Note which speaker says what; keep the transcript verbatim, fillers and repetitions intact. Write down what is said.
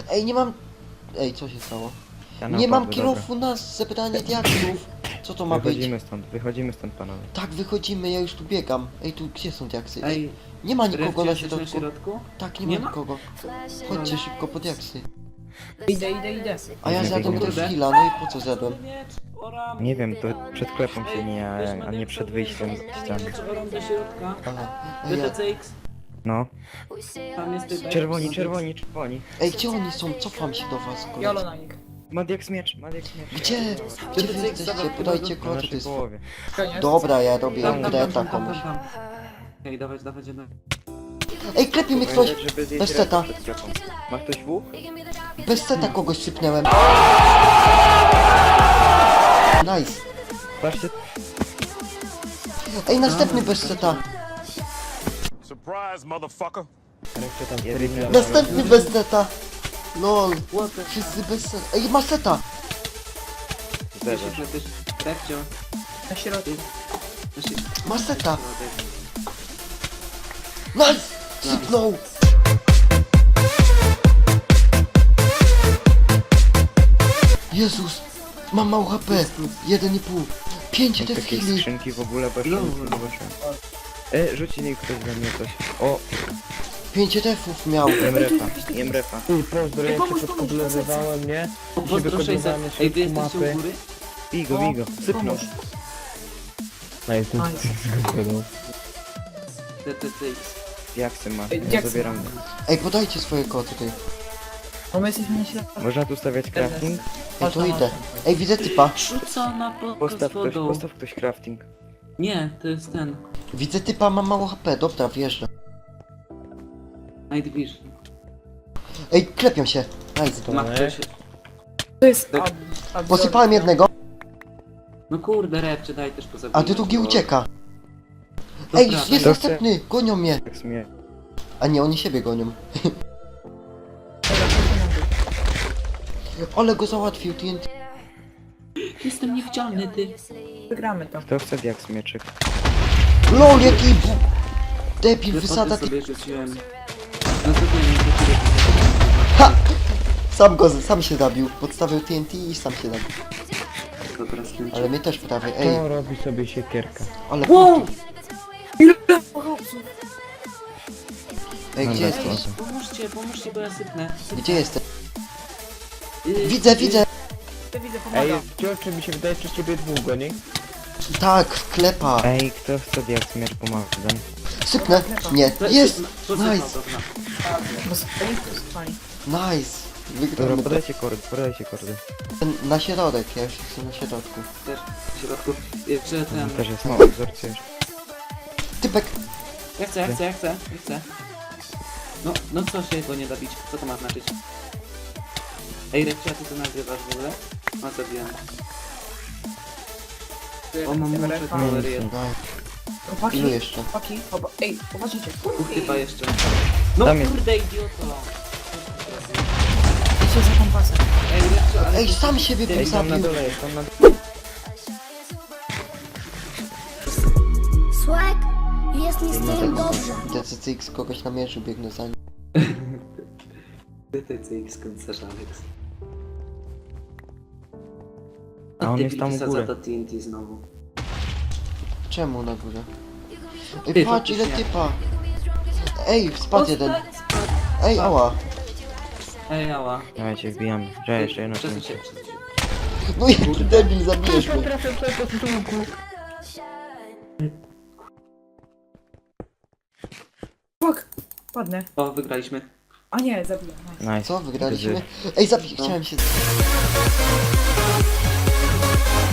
Speaker 1: Ej, nie mam... Ej, co się stało?
Speaker 2: Ja
Speaker 1: Nie mam
Speaker 2: naprawdę,
Speaker 1: kilofu na zebranie diaksów. Co to ma
Speaker 2: dobra.
Speaker 1: być?
Speaker 2: Wychodzimy stąd, wychodzimy stąd panowie.
Speaker 1: Tak, wychodzimy, ja już tu biegam. Ej, tu gdzie są diaksy? Ej,
Speaker 3: Ej,
Speaker 1: nie ma nikogo
Speaker 3: Refcie,
Speaker 1: na
Speaker 3: jesteś na
Speaker 1: środku.
Speaker 3: środku?
Speaker 1: Tak, nie,
Speaker 3: Nie
Speaker 1: ma
Speaker 3: ma?
Speaker 1: nikogo. Chodźcie szybko po diaksy.
Speaker 4: Idę, idę, idę.
Speaker 1: A ja
Speaker 2: Nie
Speaker 1: zjadłem
Speaker 2: biegnie.
Speaker 1: też chwila, no i po co zjadłem?
Speaker 2: Nie wiem, to przed sklepem się nie, a, a nie przed wyjściem z ściany.
Speaker 3: do środka.
Speaker 1: Aha. Ej, ja...
Speaker 3: D T C X,
Speaker 2: No.
Speaker 3: tam jest typ.
Speaker 2: Czerwoni, czerwoni, czerwoni.
Speaker 1: Ej, gdzie oni są? Cofam się do was,
Speaker 4: Jolo
Speaker 1: koledzy.
Speaker 4: na nich.
Speaker 2: Madiak miecz, Madiak miecz.
Speaker 1: Gdzie? Gdzie wy jesteście? Podajcie
Speaker 2: Na
Speaker 1: kod, to
Speaker 2: naszej
Speaker 1: jest...
Speaker 2: połowie.
Speaker 4: Koniec.
Speaker 1: Dobra, ja robię
Speaker 3: Tam, tam, tam,
Speaker 1: greta
Speaker 3: tam, tam,
Speaker 1: komuś.
Speaker 3: tam. Ej, dawać, dawać, dawać.
Speaker 1: Ej, klepie mnie ktoś!
Speaker 2: Pamiętać, żeby zjeść
Speaker 1: Bez
Speaker 2: resztę
Speaker 1: seta.
Speaker 2: przed sklepem. Ma ktoś W?
Speaker 1: Bez seta kogoś sypnęłem. Nice.
Speaker 2: Patrzcie,
Speaker 1: Ej, następny bez seta.
Speaker 5: Surprise, motherfucker.
Speaker 2: resztę tam jeden.
Speaker 1: Następny bez seta. Lol.
Speaker 3: What the...
Speaker 1: Wszyscy bez seta. Ej, ma seta.
Speaker 2: Zderzasz.
Speaker 3: Refcio.
Speaker 4: Na środku.
Speaker 1: Ma seta. Nice. Sypnął. Jezus. Mam mało H P. jeden i pół. pięć
Speaker 2: Są
Speaker 1: te
Speaker 2: takie
Speaker 1: chwili.
Speaker 2: skrzynki w ogóle, bo jeszcze
Speaker 3: No.
Speaker 2: nic nie zobaczyłem. E, rzuci niech ktoś za mnie coś. O,
Speaker 1: pięć defów miał.
Speaker 2: jem refa, jem refa.
Speaker 6: Ty, pozdro,
Speaker 4: Ej,
Speaker 6: ja
Speaker 4: pomóż,
Speaker 6: cię
Speaker 4: pomóż,
Speaker 6: podkolorowałem, nie?
Speaker 3: O, pozdro sześćset.
Speaker 6: wykonywamy
Speaker 3: Ej, wy
Speaker 6: szybko
Speaker 3: jesteście
Speaker 6: mapy.
Speaker 3: u góry?
Speaker 2: Bigo, bigo, sypnął.
Speaker 6: No jestem
Speaker 4: Nice.
Speaker 3: D T C X.
Speaker 2: Jak se ma?
Speaker 4: Ej,
Speaker 2: Ja
Speaker 4: jak se
Speaker 2: zabieram.
Speaker 1: Ej, podajcie swoje kody tutaj.
Speaker 4: No my jesteśmy na środku.
Speaker 2: Można tu stawiać crafting?
Speaker 1: Ej, tu idę. Ej, widzę typa.
Speaker 3: Rzuca na podkos
Speaker 2: Postaw ktoś,
Speaker 3: wodą.
Speaker 2: postaw ktoś crafting.
Speaker 3: Nie, to jest ten.
Speaker 1: Widzę typa, mam mało H P. Dobra, wjeżdżam.
Speaker 3: Night Vision.
Speaker 1: Ej, klepią się. Nice.
Speaker 3: Ma ktoś...
Speaker 4: To jest
Speaker 3: Tak.
Speaker 4: ab, ab,
Speaker 1: Posypałem jednego,
Speaker 3: No kurde, Refcie, daj też pozabijać.
Speaker 1: a ty drugi
Speaker 3: bo-
Speaker 1: ucieka.
Speaker 3: To
Speaker 1: Ej,
Speaker 3: prawda.
Speaker 1: jest
Speaker 2: To
Speaker 1: następny. Gonią mnie.
Speaker 2: Tak smie.
Speaker 1: A nie, oni siebie gonią. Ale go załatwił T N T.
Speaker 3: Jestem niewidzialny, ty.
Speaker 4: Wygramy to.
Speaker 2: Kto chce jak smieczyk?
Speaker 1: LOL, jaki bu... Debil, wysada
Speaker 3: Wypady
Speaker 1: ty...
Speaker 3: sobie rzuciłem. No to nie wiem,
Speaker 1: Ha! Sam go, sam się zabił. Podstawił T N T i sam się zabił.
Speaker 3: to dobra skończę.
Speaker 1: Ale mnie też prawie, ej.
Speaker 6: To robi sobie siekierka.
Speaker 1: Ale...
Speaker 3: Wow!
Speaker 4: Ile chłopców?
Speaker 1: Ej, gdzie
Speaker 2: Dobra,
Speaker 1: jesteś?
Speaker 2: spoko.
Speaker 3: Pomóżcie, pomóżcie, bo ja sypnę. sypnę.
Speaker 1: Gdzie jesteś?
Speaker 3: Y,
Speaker 1: Widzę,
Speaker 3: y,
Speaker 1: widzę.
Speaker 4: Widzę, widzę,
Speaker 6: Ej,
Speaker 4: pomagam.
Speaker 6: czy mi się wydaje, że ciebie dwóch goni?
Speaker 1: Tak, klepa.
Speaker 2: Ej, kto chce jak smierć pomagam?
Speaker 1: Sypnę. Nie,
Speaker 3: to-
Speaker 1: jest!
Speaker 3: to sypnął,
Speaker 1: Nice,
Speaker 3: dobra.
Speaker 4: Bo spali, to spali.
Speaker 1: nice.
Speaker 2: Dobra,
Speaker 1: Wygramy to.
Speaker 2: podajcie kordy, podajcie kordy.
Speaker 1: Na środek, ja już jestem na środku.
Speaker 3: Też w środku. Jeszcze ten...
Speaker 2: Tam też jest mało, wzorcujesz.
Speaker 1: Typek.
Speaker 3: Ja chcę, ja chcę, ja chcę, ja chcę. No, no co się go nie da bić? Co to ma znaczyć? Ej, Refcia, ty to nagrywasz w ogóle? No zabiłem. O, mam muszę
Speaker 4: Refa.
Speaker 3: kalory jedno.
Speaker 1: No,
Speaker 4: Chłopaki,
Speaker 1: ilu jeszcze?
Speaker 4: chłopaki, chłopa- ej, popatrzcie.
Speaker 3: Uch, chyba jeszcze. No
Speaker 2: Tam jest.
Speaker 3: kurde, idioto!
Speaker 4: Idźcie za kompasem.
Speaker 3: Ej, Refcia, ale...
Speaker 1: Ej, sam siebie bym
Speaker 2: Ej, tam na
Speaker 1: zabił.
Speaker 2: dole jest, tam na dole.
Speaker 7: Swag, jest mi z tym dobrze.
Speaker 1: D C C X kogoś namierzył, biegnę za nim.
Speaker 3: D T C X końcarz Alex.
Speaker 2: A on jest tam u
Speaker 3: wysadza
Speaker 2: góry.
Speaker 3: to T N T znowu.
Speaker 1: Czemu na górze?
Speaker 3: Ty,
Speaker 1: Ej, patrz ile
Speaker 3: faktycznie.
Speaker 1: typa. Ej, spadł jeden. Ej, ała.
Speaker 3: Ej, ała.
Speaker 2: Dawajcie, wbijamy. Że jeszcze jedno
Speaker 3: Przesuń
Speaker 2: cięcie.
Speaker 3: się, przesuń się.
Speaker 1: No jaki debil, zabijesz mnie.
Speaker 4: Fuck! Padnę.
Speaker 3: O, wygraliśmy.
Speaker 4: A nie, zabiję. Nice.
Speaker 2: Nice.
Speaker 1: Co, wygraliśmy?
Speaker 2: Gdy-
Speaker 1: Ej, zabij, chciałem się...